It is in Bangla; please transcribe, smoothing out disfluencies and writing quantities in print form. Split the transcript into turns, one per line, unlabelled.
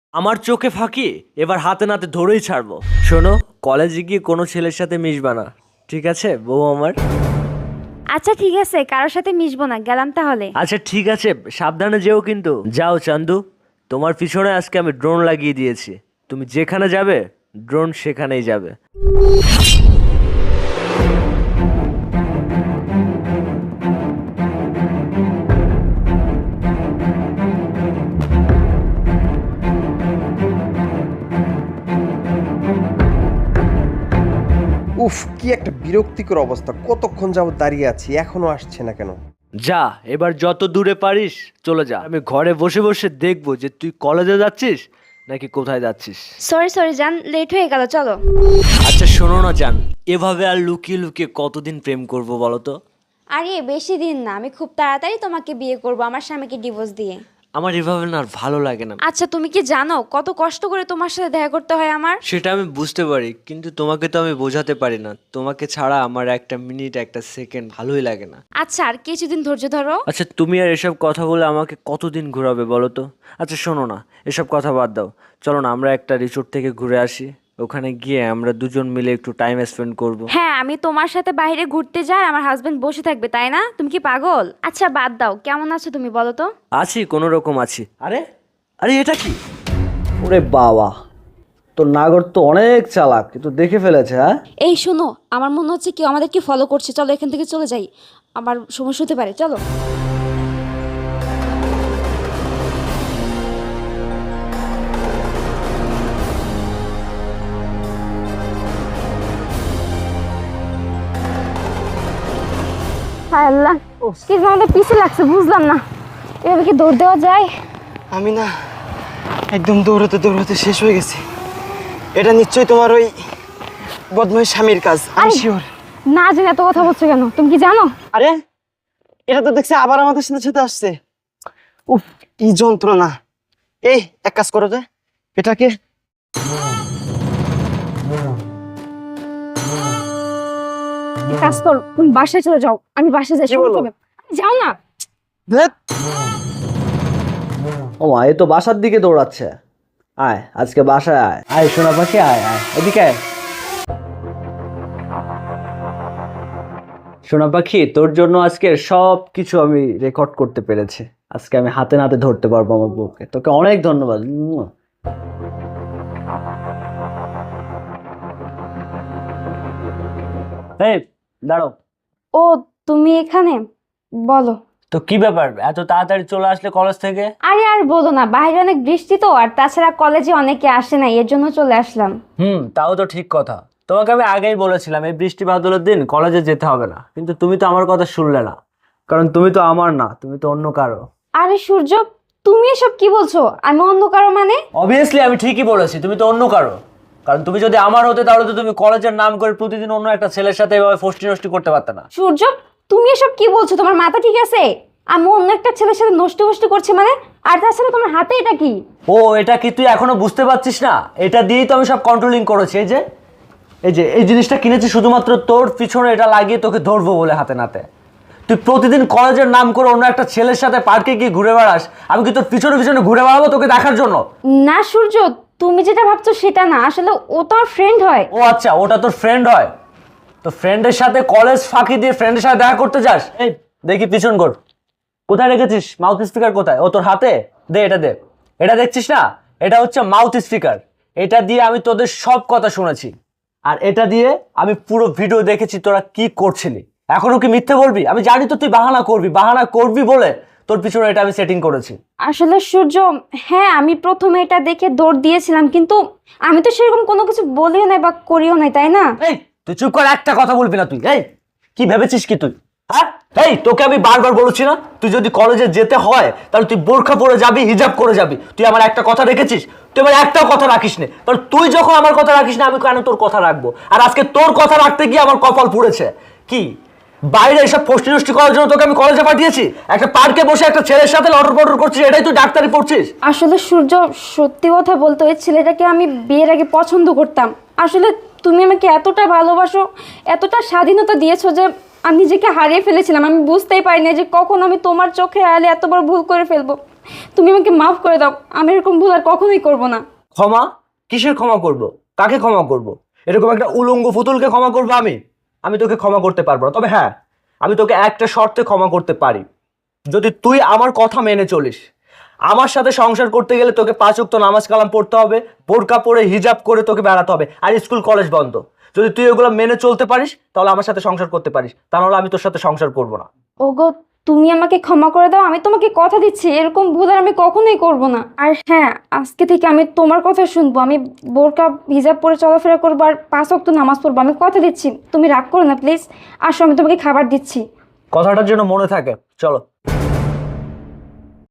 আমার চোখে ফাঁকি এবার হাতে নাতে ধরেই ছাড়বো। শোনো, কলেজে গিয়ে কোনো ছেলের সাথে মিশবা না, ঠিক আছে বউ আমার?
আচ্ছা ঠিক আছে, কারোর সাথে মিশবো না, গেলাম তাহলে।
আচ্ছা ঠিক আছে, সাবধানে যেও কিন্তু। যাও চান্দু, তোমার পিছনে আজকে আমি ড্রোন লাগিয়ে দিয়েছি। তুমি যেখানে যাবে ড্রোন সেখানেই যাবে।
উফ, কি একটা বিরক্তিকর অবস্থা! কতক্ষণ যাবত দাঁড়িয়ে আছি, এখনো আসছে না কেন?
যা, এবার যত দূরে পারিস চলে যা। আমি ঘরে বসে বসে দেখবো যে তুই কলেজে যাচ্ছিস নাকি কোথায় যাচ্ছিস।
সরি সরি জান, লেট হয়ে গেল, চলো।
আচ্ছা শোনো না জান, এভাবে আর লুকিয়ে লুকিয়ে কতদিন প্রেম করবো বলো তো?
আরে বেশি দিন না, আমি খুব তাড়াতাড়ি তোমাকে বিয়ে করব আমার স্বামীকে ডিভোর্স দিয়ে।
আমার এভাবে না আর ভালো লাগে না।
আচ্ছা তুমি কি জানো কত কষ্ট করে তোমার সাথে দেখা করতে হয় আমার?
সেটা আমি বুঝতে পারি, কিন্তু তোমাকে তো আমি বোঝাতে পারি না। তোমাকে ছাড়া আমার একটা মিনিট একটা সেকেন্ড ভালোই লাগে না।
আচ্ছা আর কিছুদিন ধৈর্য ধরো।
আচ্ছা তুমি আর এসব কথা বলে আমাকে কতদিন ঘোরাবে বলো তো? আচ্ছা শোনো না, এসব কথা বাদ দাও, চলো না আমরা একটা রিসোর্ট থেকে ঘুরে আসি। ওখানে গিয়ে আমরা দুজন মিলে একটু টাইম স্পেন্ড করব।
হ্যাঁ, আমি তোমার সাথে বাইরে ঘুরতে যাই, আমার হাজবেন্ড বসে থাকবে তাই না? তুমি কি পাগল? আচ্ছা বাদ দাও, কেমন আছো তুমি বলো তো?
আছি, কোনো রকম আছি। আরে আরে এটা কি?
ওরে বাবা, তোর নাগর তো অনেক চালাক, কিন্তু দেখে ফেলেছে। হ্যাঁ,
এই শোনো, আমার মনে হচ্ছে কেউ আমাদেরকে ফলো করছে, চলো এখান থেকে চলে যাই, আমার সমস্যা হতে পারে, চলো। হায় আল্লাহ, কি যে আমাদের পিছে লাগছে বুঝলাম না, এভাবে কি দৌড় দেওয়া যায়?
আমি না একদম দৌড়াতে দৌড়াতে শেষ হয়ে গেছি। এটা নিশ্চয়ই তোমার ওই বদমাই স্বামীর কাজ, আমি শিওর।
না জেনে এত কথা বলছো কেন? তুমি কি জানো?
আরে এটা তো দেখছি আবার আমাদের সাথে সাথে আসছে। উফ, কি যন্ত্রণা! এই এক কাজ করো, যে এটাকে
এক কাজ করো, তুমি বাসায় চলে যাও, আমি বাসায় যাই।
কি বলো?
যাও না।
ধ্যাৎ,
ও মা, এ তো বাসার দিকে দৌড়াচ্ছে। আয় আজকে বাসায় আয়, আয় সোনা পাখি, আয় আয় এদিকে আয়। সোনা পাখি, তোর জন্য আজকে সব কিছু আমি রেকর্ড করতে পেরেছি। আজকে আমি হাতে নাতে ধরতে পারবো আমার বউকে। তোকে অনেক ধন্যবাদ। এই দাঁড়াও।
ও তুমি এখানে? বলো।
তো কি ব্যাপার, এত তাড়াতাড়ি চলে আসলে কলেজ থেকে?
আরে আর বলো না, বাইরে অনেক বৃষ্টি তো, আর তাছাড়া কলেজে অনেকে আসে না, এর জন্য চলে আসলাম।
তাও তো ঠিক কথা। তোমাকে আমি আগেই বলেছিলাম এই বৃষ্টি বাদলের দিন কলেজে যেতে হবে না, কিন্তু তুমি তো আমার কথা শুনলে না।
কারণ তুমি তো আমার না, তুমি তো অন্য কারো।
আরে সূর্য, তুমি এসব কি বলছো? আমি অন্য কারো মানে?
অবভিয়াসলি আমি ঠিকই বলেছি, তুমি তো অন্য কারো। কারণ তুমি যদি আমার হতে তাহলে তো তুমি কলেজের নাম করে প্রতিদিন অন্য একটা ছেলের সাথে এভাবে ফষ্টি নষ্টি করতে পারতে না।
সূর্য, তুমি এসব কি বলছো? তোমার মাথা ঠিক আছে? আমি অন্য একটা ছেলের সাথে নষ্ট ফষ্টি করছি মানে? আর তাছাড়া তোমার হাতে এটা কি?
ও এটা কি তুই এখনো বুঝতে পারছিস না? এটা দিয়েই তো আমি সব কন্ট্রোলিং করেছি। এই যে এই জিনিসটা কিনেছি শুধুমাত্র তোর পিছনে এটা লাগিয়ে তোকে ধরবো বলে হাতে নাতে। তুই প্রতিদিন কলেজের নাম করে অন্য একটা ছেলের সাথে পার্কে গিয়ে ঘুরে বেড়াস, আমি কি তোর পিছনে পিছনে ঘুরে বেড়াবো তোকে দেখার জন্য?
না সূর্য, তুমি যেটা ভাবছো সেটা না, আসলে ও তো আমার ফ্রেন্ড হয়।
ও আচ্ছা, ওটা তোর ফ্রেন্ড হয়? তো ফ্রেন্ডের সাথে কলেজ ফাঁকি দিয়ে ফ্রেন্ডের সাথে দেখা করতে যাস? এই দেখি পিছন কর, কোথায় রেখেছিস মাউথ স্পিকার? কোথায়? ও তোর হাতে? দে এটা দে। এটা দেখছিস না, এটা হচ্ছে মাউথ স্পিকার। এটা দিয়ে আমি তোদের সব কথা শুনেছি, আর এটা দিয়ে আমি পুরো ভিডিও দেখেছি তোরা কি করছিলি। এখনো কি মিথ্যে বলবি? আমি জানি তো তুই বাহানা করবি বলে তোর পিছনে এটা আমি সেটিং করেছি।
আসলে সূর্য, হ্যাঁ আমি প্রথমে এটা দেখে দৌড় দিয়েছিলাম, কিন্তু আমি তো সেরকম কোনো কিছু বলিও নাই বা করিও নাই, তাই না?
এই তুই চুপ কর, একটা কথা বলবি না তুই। এই কি ভেবেছিস কি তুই? হ্যাঁ, এই তোকে আমি বারবার বলেছি না, তুই যদি কলেজে যেতে হয় তাহলে তুই বোরখা পরে যাবি, হিজাব করে যাবি। তুই আমার একটা কথা রেখেছিস? তুই আমার একটাও কথা রাখিস না। তাহলে তুই যখন আমার কথা রাখিস না, আমি কেন তোর কথা রাখবো? আর আজকে তোর কথা রাখতে গিয়ে আমার কপাল পুড়েছে। কি বাইরে এসব ফষ্টি নষ্টি করার জন্য তোকে আমি কলেজে পাঠিয়েছি? একটা পার্কে বসে একটা ছেলের সাথে লটর পটর করছিস, এটাই তুই ডাক্তারি পড়ছিস?
আসলে সূর্য, সত্যি কথা বলতে ওই ছেলেটাকে আমি বিয়ের আগে পছন্দ করতাম। আসলে তুমি আমাকে এতটা ভালোবাসো, এতটা স্বাধীনতা দিয়েছো যে আমি নিজেকে হারিয়ে ফেলেছিলাম। আমি বুঝতেই পারি না যে কখন আমি তোমার চোখে আড়ালে এত বড় ভুল করে ফেলবো। তুমি আমাকে মাফ করে দাও, আমি এরকম ভুল আর কখনোই করব না।
ক্ষমা? কিসের ক্ষমা করব? কাকে ক্ষমা করব? এরকম একটা উলঙ্গ ফুতুলকে ক্ষমা করবো আমি? আমি তোকে ক্ষমা করতে পারবো না। তবে হ্যাঁ, আমি তোকে একটা শর্তে ক্ষমা করতে পারি, যদি তুই আমার কথা মেনে চলিস। আমার সাথে সংসার করতে গেলে তোকে 5 ওয়াক্ত নামাজ কালাম পড়তে হবে, বোরকা পরে হিজাব করে তোকে বেড়াতে হবে, আর স্কুল কলেজ বন্ধ। যদি তুই এগুলো মেনে চলতে পারিস তাহলে আমার সাথে সংসার করতে পারিস, তা নাহলে আমি তোর সাথে সংসার করব না।
ওগো, তুমি আমাকে ক্ষমা করে দাও, আমি তোমাকে কথা দিচ্ছি এরকম ভুল আর আমি কখনোই করব না। আর হ্যাঁ, আজকে থেকে আমি তোমার কথা শুনবো, আমি বোরকা হিজাব পরে চলাফেরা করবো আর 5 ওয়াক্ত নামাজ পড়বো, আমি কথা দিচ্ছি। তুমি রাগ করো না প্লিজ, আসো আমি তোমাকে খাবার দিচ্ছি।
কথাটার জন্য মনে থাকে। চলো।